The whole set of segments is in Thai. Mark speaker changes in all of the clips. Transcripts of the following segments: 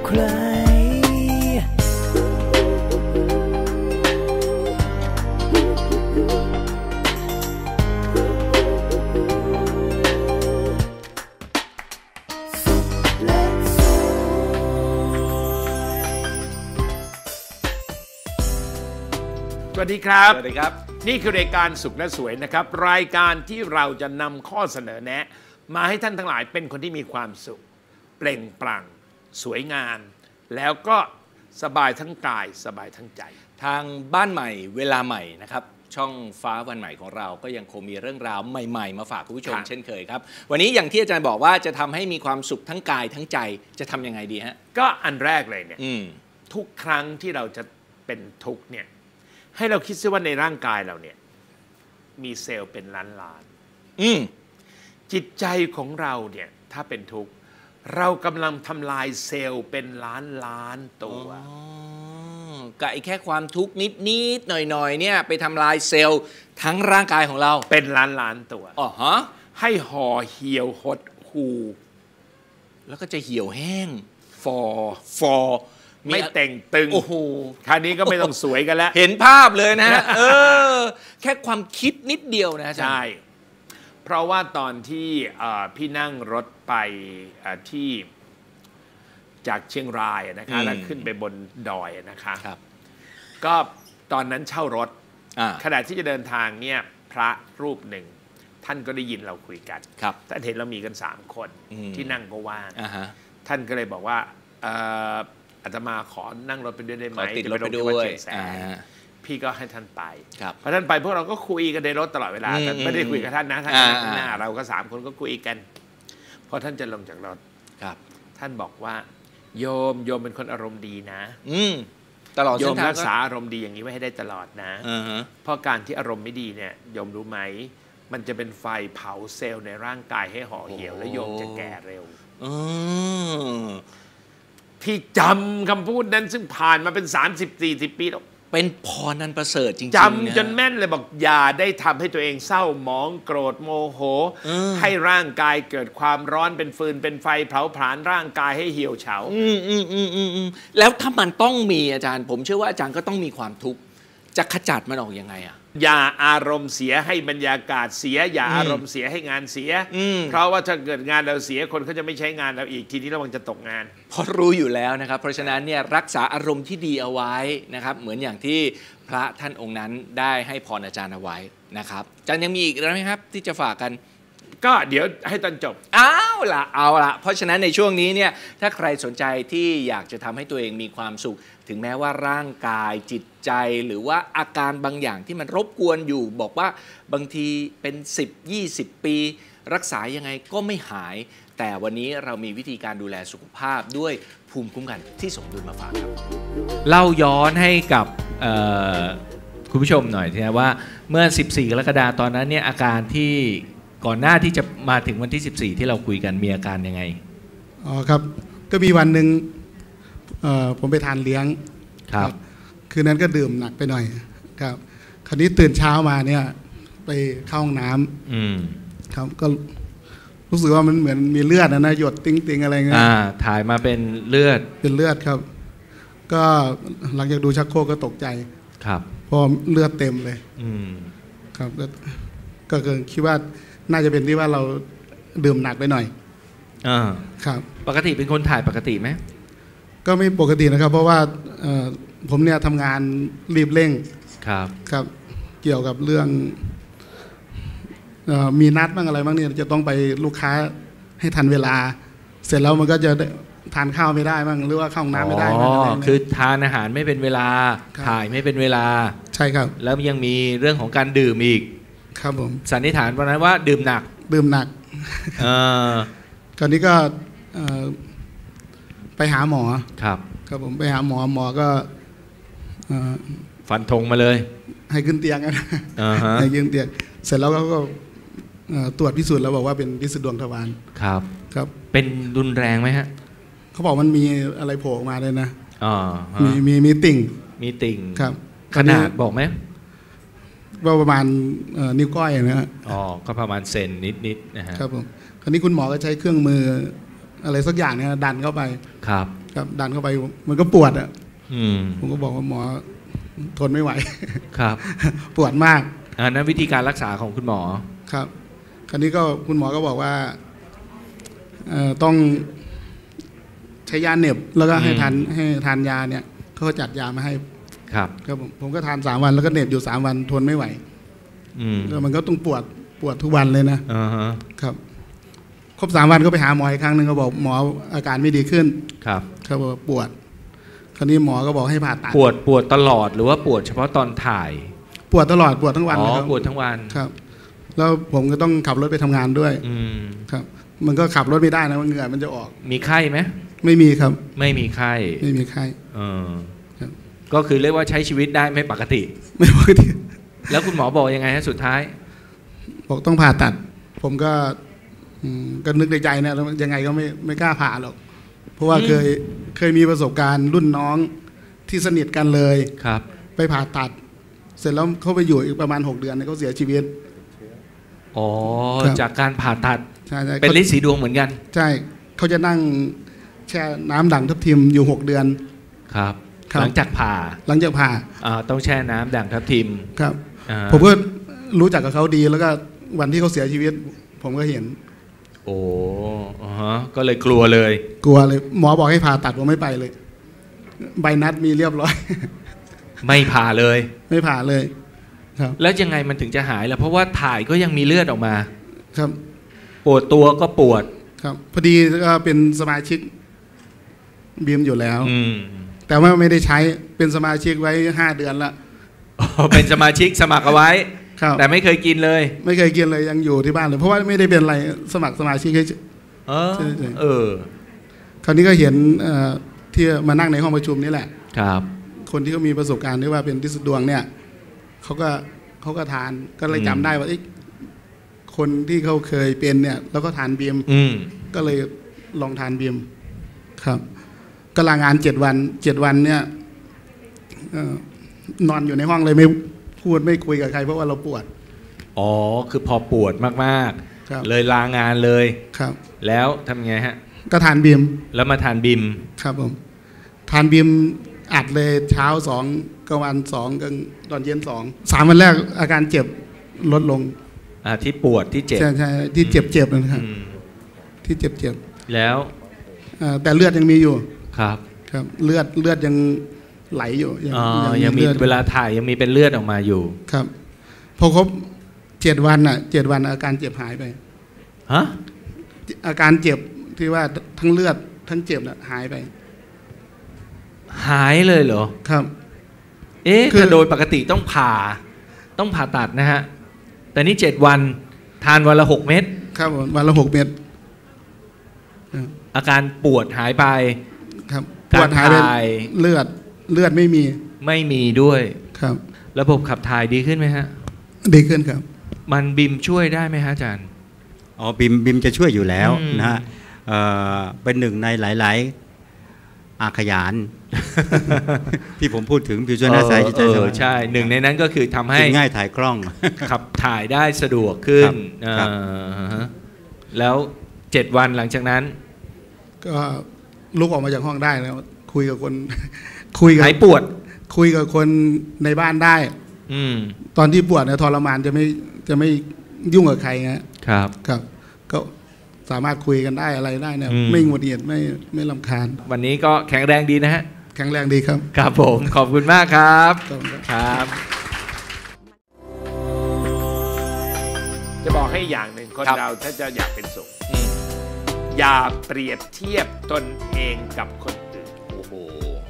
Speaker 1: ใคร
Speaker 2: สวัสดีครับ
Speaker 3: สวัสดีครับ
Speaker 2: นี่คือรายการสุขและสวยนะครับรายการที่เราจะนำข้อเสนอแนะมาให้ท่านทั้งหลายเป็นคนที่มีความสุขเปล่งปลั่งสวยงามแล้วก็สบายทั้งกายสบายทั้งใจ
Speaker 3: ทางบ้านใหม่เวลาใหม่นะครับช่องฟ้าวันใหม่ของเราก็ยังคงมีเรื่องราวใหม่ๆมาฝากคุณผู้ชมเช่นเคยครับวันนี้อย่างที่อาจารย์บอกว่าจะทำให้มีความสุขทั้งกายทั้งใจจะทำยังไงดีฮะ
Speaker 2: ก็อันแรกเลยเนี่ยทุกครั้งที่เราจะเป็นทุกข์เนี่ยให้เราคิดซิว่าในร่างกายเราเนี่ยมีเซลล์เป็นล้านๆจิตใจของเราเนี่ยถ้าเป็นทุกข์เรากำลังทำลายเซลล์เป็นล้านตัว
Speaker 3: กับแค่ความทุกข์นิดๆหน่อยๆเนี่ยไปทำลายเซลล์ทั้งร่างกายของเรา
Speaker 2: เป็นล้านตัว
Speaker 3: อ๋อฮะ
Speaker 2: ให้ห่อเหี่ยวหดหู่
Speaker 3: แล้วก็จะเหี่ยวแห้งฟอ
Speaker 2: ไม่แต่งตึง
Speaker 3: โอ้โห
Speaker 2: คราวนี้ก็ไม่ต้องสวยกันแล้ว
Speaker 3: เห็นภาพเลยนะแค่ความคิดนิดเดียวนะ
Speaker 2: ใช่เพราะว่าตอนที่พี่นั่งรถไปที่จากเชียงรายนะคะแล้วขึ้นไปบนดอยนะคะก็ตอนนั้นเช่ารถขณะที่จะเดินทางเนี่ยพระรูปหนึ่งท่านก็ได้ยินเราคุยกันท่านเห็นเรามีกัน3คนที่นั่งก็ว่างท่านก็เลยบอกว่าอาตมาขอนั่งรถไปด้วยได้ไหม
Speaker 3: ติดรถไปด้วย
Speaker 2: พี่ก็ให้ท่านไปพอท่านไปพวกเราก็คุยกันในรถตลอดเวลาแต่ไม่ได้คุยกับท่านนะท่านข้างหน้าเราก็3คนก็คุยกันพอท่านจะลงจากรถท่านบอกว่าโยมเป็นคนอารมณ์ดีนะ
Speaker 3: ตลอด
Speaker 2: โยมรักษาอารมณ์ดีอย่างนี้ไว้ให้ได้ตลอดนะเพราะการที่อารมณ์ไม่ดีเนี่ยโยมรู้ไหมมันจะเป็นไฟเผาเซลล์ในร่างกายให้ห่อเหี่ยวและโยมจะแก่เร็วพี่จำคำพูดนั้นซึ่งผ่านมาเป็น30-40 ปีแล้ว
Speaker 3: เป็นพรนันประเสริฐจริงๆ
Speaker 2: จำจนแม่นเลยบอกอย่าได้ทำให้ตัวเองเศร้าหมองโกรธโมโหให้ร่างกายเกิดความร้อนเป็นฟืนเป็นไฟเผาผลาญร่างกายให้เหี่ยวเฉา
Speaker 3: แล้วถ้ามันต้องมีอาจารย์ผมเชื่อว่าอาจารย์ก็ต้องมีความทุกข์จะขจัดมันออกยังไงอ่ะ
Speaker 2: อย่าอารมณ์เสียให้บรรยากาศเสียอย่าอารมณ์เสียให้งานเสียเพราะว่าถ้าเกิดงานเราเสียคนเขาจะไม่ใช้งานเราอีกทีนี้ระวังจะตกงาน
Speaker 3: เพราะรู้อยู่แล้วนะครับเพราะฉะนั้นเนี่ยรักษาอารมณ์ที่ดีเอาไว้นะครับเหมือนอย่างที่พระท่านองค์นั้นได้ให้พรอาจารย์เอาไว้นะครับอาจารย์ยังมีอีกแล้วไหมครับที่จะฝากกัน
Speaker 2: ก็เดี๋ยวให้ตอนจบ
Speaker 3: เอาละเพราะฉะนั้นในช่วงนี้เนี่ยถ้าใครสนใจที่อยากจะทำให้ตัวเองมีความสุขถึงแม้ว่าร่างกายจิตใจหรือว่าอาการบางอย่างที่มันรบกวนอยู่บอกว่าบางทีเป็น10-20 ปีรักษายังไงก็ไม่หายแต่วันนี้เรามีวิธีการดูแลสุขภาพด้วยภูมิคุ้มกันที่สมดุลมาฝากครับเล่าย้อนให้กับคุณผู้ชมหน่อยนะว่าเมื่อ14 กรกฎาคมตอนนั้นเนี่ยอาการที่ก่อนหน้าที่จะมาถึงวันที่14ที่เราคุยกันมีอาการยังไง
Speaker 4: อ๋อครับก็มีวันหนึ่งผมไปทานเลี้ยง
Speaker 3: ครับ
Speaker 4: คืนนั้นก็ดื่มหนักไปหน่อยครับคราวนี้ตื่นเช้ามาเนี่ยไปเข้าห้องน้ำครับก็รู้สึกว่ามันเหมือนมีเลือดนะหยดติ้งอะไรเงี้ย
Speaker 3: ถ่ายมาเป็นเลือด
Speaker 4: ครับก็หลังจากดูชักโครกก็ตกใจ
Speaker 3: ครับ
Speaker 4: พอเลือดเต็มเลยครับก็คิดว่าน่าจะเป็นที่ว่าเราดื่มหนักไปหน่อยครับ
Speaker 3: ปกติเป็นคนถ่ายปกติไหม
Speaker 4: ก็ไม่ปกตินะครับเพราะว่าผมเนี่ยทำงานรีบเร่งครับเกี่ยวกับเรื่องมีนัดบ้างอะไรบ้างเนี่ยจะต้องไปลูกค้าให้ทันเวลาเสร็จแล้วมันก็จะทานข้าวไม่ได้บ้างหรือว่าเข้าห้องน้ำไม่ได้
Speaker 3: คือทานอาหารไม่เป็นเวลาถ่ายไม่เป็นเวลา
Speaker 4: ใช่ครับ
Speaker 3: แล้วยังมีเรื่องของการดื่มอีก
Speaker 4: ครับผม
Speaker 3: สันนิษฐานวันนั้นว่าดื่มหนัก
Speaker 4: คราวนี้ก็ไปหาหมอ
Speaker 3: ครับ
Speaker 4: ผมไปหาหมอก็
Speaker 3: ฟันธงมาเลย
Speaker 4: ให้ขึ้นเตียงนะให้ขึ้นเตียงเสร็จแล้วก็ตรวจพิสูจน์แล้วบอกว่าเป็นพิษดวงทวารครับ
Speaker 3: เป็นรุนแรงไหมฮะ
Speaker 4: เขาบอกมันมีอะไรโผล่ออกมาเลยนะมีติ่งครับ
Speaker 3: ขนาดบอกไหม
Speaker 4: ว่าประมาณนิ้วก้อยนะฮะ
Speaker 3: ก็ประมาณเซนนิดนะฮะ
Speaker 4: ครับผมคราวนี้คุณหมอก็ใช้เครื่องมืออะไรสักอย่างเนี่ยดันเข้าไป
Speaker 3: ครับ
Speaker 4: ครับดันเข้าไปมันก็ปวดอ่ะ ผมก็บอกว่าหมอทนไม่ไหว
Speaker 3: ครับ
Speaker 4: ปวดมาก
Speaker 3: อันนั้นวิธีการรักษาของคุณหมอ
Speaker 4: ครับ คราวนี้ก็คุณหมอก็บอกว่าต้องใช้ยาเหน็บแล้วก็ให้ทานยาเนี่ยเขาก็จัดยามาให้
Speaker 3: ครับ
Speaker 4: ครับผมก็ทาน3 วันแล้วก็เหน็บอยู่3 วันทนไม่ไหวแล้วมันก็ต้องปวดทุกวันเลยนะครับครบ3 วันก็ไปหาหมออีกครั้งหนึ่งก็บอกหมออาการไม่ดีขึ้นครับเขาบอกปวดคราวนี้หมอก็บอกให้ผ่าตัด
Speaker 3: ปวดตลอดหรือว่าปวดเฉพาะตอนถ่าย
Speaker 4: ปวดตลอดปวดทั้งวัน
Speaker 3: ครับปวดทั้งวัน
Speaker 4: ครับแล้วผมก็ต้องขับรถไปทำงานด้วยครับมันก็ขับรถไม่ได้นะเหงื่อมันจะออก
Speaker 3: มีไข้ไหม
Speaker 4: ไม่มีครับ
Speaker 3: ไม่มีไข้
Speaker 4: ไม่มีไข้
Speaker 3: ก็คือเรียกว่าใช้ชีวิตได้ไม่ปกติ
Speaker 4: ไม่ปกติ
Speaker 3: แล้วคุณหมอบอกยังไงฮะสุดท้าย
Speaker 4: บอกต้องผ่าตัดผมก็นึกในใจนะแล้วยังไงก็ไม่กล้าผ่าหรอกเพราะว่าเคยมีประสบการณ์รุ่นน้องที่สนิทกันเลย
Speaker 3: ครับ
Speaker 4: ไปผ่าตัดเสร็จแล้วเขาไปอยู่อีกประมาณ6 เดือนเขาเสียชีวิต
Speaker 3: อ๋อจากการผ่าตัดเป็นฤทธิ์สีดวงเหมือนกัน
Speaker 4: ใช่เขาจะนั่งแช่น้ำด่างทับทิมอยู่6 เดือน
Speaker 3: ครับหลังจากผ่าต้องแช่น้ำด่างทับทิม
Speaker 4: ครับผมก็รู้จักกับเขาดีแล้วก็วันที่เขาเสียชีวิตผมก็เห็น
Speaker 3: โอ้ก็เลยกลัวเลย
Speaker 4: หมอบอกให้ผ่าตัดผมไม่ไปเลยใบนัดมีเรียบร้อย
Speaker 3: ไม่ผ่าเลย
Speaker 4: ไม่ผ่าเลยครับ
Speaker 3: แล้วยังไงมันถึงจะหายล่ะเพราะว่าถ่ายก็ยังมีเลือดออกมา
Speaker 4: ครับ
Speaker 3: ปวดตัวก็ปวด
Speaker 4: ครับพอดีก็เป็นสมาชิกบีมอยู่แล้วแต่ว่าไม่ได้ใช้เป็นสมาชิกไว้5 เดือนละ
Speaker 3: เป็นสมาชิกสมัครเอาไว้แต่ไม่เคยกินเลย
Speaker 4: ไม่เคยกินเลยยังอยู่ที่บ้านเลยเพราะว่าไม่ได้เป็นอะไรสมัครสมาชิกให้คราวนี้ก็เห็นที่มานั่งในห้องประชุมนี่แหละ
Speaker 3: ครับ
Speaker 4: คนที่เขามีประสบการณ์ที่ว่าเป็นฤทธิ์ดวงเนี่ยเขาก็ทานก็เลยจำได้ว่าคนที่เขาเคยเป็นเนี่ยแล้วก็ทานบีมก็เลยลองทานบีมครับก็ลางาน7 วันเนี่ยนอนอยู่ในห้องเลยไม่พูดไม่คุยกับใครเพราะว่าเราปวด
Speaker 3: อ๋อคือพอปวดมากๆเลยลางานเลย
Speaker 4: ครับ
Speaker 3: แล้วทำไงฮะ
Speaker 4: ก็ทานบีม
Speaker 3: แล้วมาทานบีม
Speaker 4: ครับผมทานบีมอัดเลยเช้า2กลางวัน2กลางตอนเย็น2 3 วันแรกอาการเจ็บลดลง
Speaker 3: ที่ปวดที่เจ็บ
Speaker 4: ใช่ที่เจ็บนะครับที่เจ็บ
Speaker 3: แล้ว
Speaker 4: แต่เลือดยังมีอยู่
Speaker 3: ครับ
Speaker 4: เลือดยังไหลอยู่
Speaker 3: ยังมีเวลาถ่ายยังมีเป็นเลือดออกมาอยู่
Speaker 4: ครับพอครบ7 วัน7 วันอาการเจ็บหายไป
Speaker 3: ฮะ
Speaker 4: อาการเจ็บที่ว่าทั้งเลือดทั้งเจ็บหายไป
Speaker 3: หายเลยเหรอ
Speaker 4: ครับ
Speaker 3: คือโดยปกติต้องผ่าตัดนะฮะแต่นี่7 วันทานวันละ6 เม็ด
Speaker 4: ครับวันละ6 เม็ด
Speaker 3: อาการปวดหายไป
Speaker 4: ครับปวดหายไปเลือดไม่มี
Speaker 3: ด้วย
Speaker 4: ครับ
Speaker 3: ระบบขับถ่ายดีขึ้นไหมฮะ
Speaker 4: ดีขึ้นครับ
Speaker 3: มันบิมช่วยได้ไหมฮะอาจารย์
Speaker 1: บิมจะช่วยอยู่แล้วนะฮะเป็นหนึ่งในหลายอาขยานที่ผมพูดถึงผิวชนหน้าใสจิตใจสบาย
Speaker 3: ใช่หนึ่งในนั้นก็คือทำให้
Speaker 1: ง่ายถ่ายคล่อง
Speaker 3: ขับถ่ายได้สะดวกขึ้นแล้ว7 วันหลังจากนั้น
Speaker 4: ก็ลุกออกมาจากห้องได้แล้วคุยกับ
Speaker 3: หายปวด
Speaker 4: คุยกับคนในบ้านได้ตอนที่ปวดเนี่ยทรมานจะไม่ยุ่งกับใคร
Speaker 3: ครับ
Speaker 4: ก็สามารถคุยกันได้อะไรได้เนี่ยไม่หงุดหงิดไม่รำคาญ
Speaker 3: วันนี้ก็แข็งแรงดีนะฮะ
Speaker 4: แข็งแรงดีครับ
Speaker 3: ครับผมขอบคุณมากครับครับ
Speaker 2: จะบอกให้อย่างหนึ่งคนเราถ้าจะอยากเป็นสุขอย่าเปรียบเทียบตนเองกับคนอื่น
Speaker 3: โอ้โห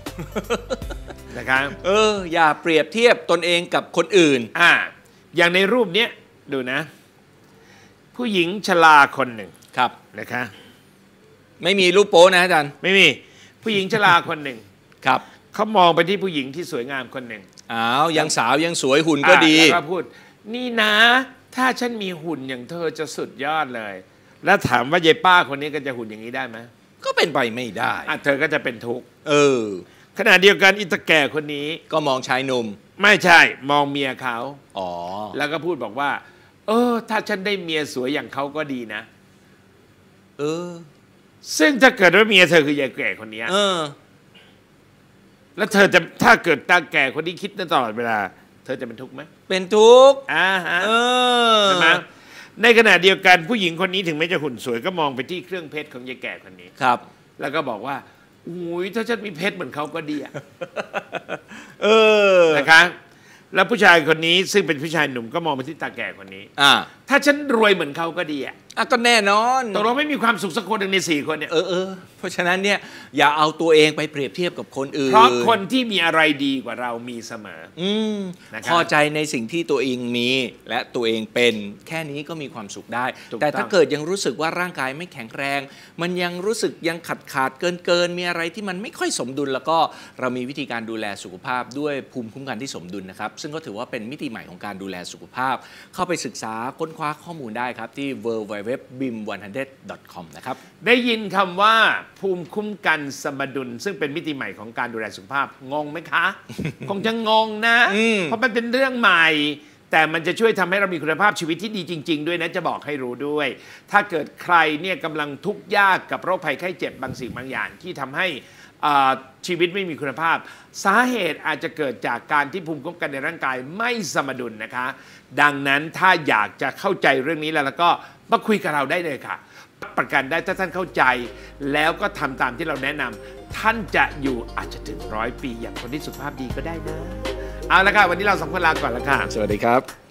Speaker 2: นะครับ
Speaker 3: อย่าเปรียบเทียบตนเองกับคนอื่น
Speaker 2: อย่างในรูปนี้ดูนะผู้หญิงชราคนหนึ่ง
Speaker 3: ครับ
Speaker 2: นะคะ
Speaker 3: ไม่มีรูปโป๊นะอาจารย์
Speaker 2: ไม่มีผู้หญิงชราคนหนึ่ง
Speaker 3: ครับ
Speaker 2: เขามองไปที่ผู้หญิงที่สวยงามคนหนึ่ง
Speaker 3: ยังสาวยังสวยหุ่นก็ดี
Speaker 2: แล้วก็พูดนี่นะถ้าฉันมีหุ่นอย่างเธอจะสุดยอดเลยแล้วถามว่ายายป้าคนนี้ก็จะหุ่นอย่างนี้ได้ไหม
Speaker 3: ก็เป็นไปไม่ได้
Speaker 2: เธอก็จะเป็นทุกข์ขณะเดียวกันอิตาแก่คนนี้
Speaker 3: ก็มองชายหนุ่ม
Speaker 2: ไม่ใช่มองเมียเขา
Speaker 3: แล้ว
Speaker 2: ก็พูดบอกว่าถ้าฉันได้เมียสวยอย่างเขาก็ดีนะซึ่งถ้าเกิดว่าเมียเธอคือยายแก่คนนี้แล้วเธอจะถ้าเกิดตาแก่คนนี้คิดตลอดเวลาเธอจะเป็นทุกข์ไหม
Speaker 3: เป็นทุกข์
Speaker 2: ใช่ไหมในขณะเดียวกันผู้หญิงคนนี้ถึงแม้จะหุ่นสวยก็มองไปที่เครื่องเพชรของยายแก่คนนี้
Speaker 3: ครับ
Speaker 2: แล้วก็บอกว่าอุ้ยถ้าฉันมีเพชรเหมือนเขาก็ดีอะนะคะแล้วผู้ชายคนนี้ซึ่งเป็นผู้ชายหนุ่มก็มองไปที่ตาแก่คนนี้ถ้าฉันรวยเหมือนเขาก็ดีอะ
Speaker 3: ก็แน่นอน
Speaker 2: ตกลงไม่มีความสุขสักคนหนึ่งใน4 คนเนี่ย
Speaker 3: เพราะฉะนั้นเนี่ยอย่าเอาตัวเองไปเปรียบเทียบกับคนอื่น
Speaker 2: เพราะคนที่มีอะไรดีกว่าเรามีเสมอ
Speaker 3: พอใจในสิ่งที่ตัวเองมีและตัวเองเป็นแค่นี้ก็มีความสุขได้แต่ถ้าเกิดยังรู้สึกว่าร่างกายไม่แข็งแรงมันยังรู้สึกยังขาดเกินมีอะไรที่มันไม่ค่อยสมดุลแล้วก็เรามีวิธีการดูแลสุขภาพด้วยภูมิคุ้มกันที่สมดุลนะครับซึ่งก็ถือว่าเป็นมิติใหม่ของการดูแลสุขภาพเข้าไปศึกษาค้นคว้าข้อมูลได้ครับที่ www.bim100.com นะครับ
Speaker 2: ได้ยินคำว่าภูมิคุ้มกันสมดุลซึ่งเป็นมิติใหม่ของการดูแลสุขภาพงงไหมคะ คงจะงงนะเพราะมันเป็นเรื่องใหม่แต่มันจะช่วยทำให้เรามีคุณภาพชีวิตที่ดีจริงๆด้วยนะจะบอกให้รู้ด้วยถ้าเกิดใครเนี่ยกำลังทุกข์ยากกับโรคภัยไข้เจ็บบางสิ่งบางอย่างที่ทำให้ชีวิตไม่มีคุณภาพสาเหตุอาจจะเกิดจากการที่ภูมิคุ้มกันในร่างกายไม่สมดุลนะคะดังนั้นถ้าอยากจะเข้าใจเรื่องนี้แล้วก็มาคุยกับเราได้เลยค่ะประกันได้ถ้าท่านเข้าใจแล้วก็ทำตามที่เราแนะนำท่านจะอยู่อาจจะถึง100 ปีอย่างคนที่สุขภาพดีก็ได้นะเอาละค่ะวันนี้เรา2 คนลาก่อนละค่ะ
Speaker 3: สวัสดีครับ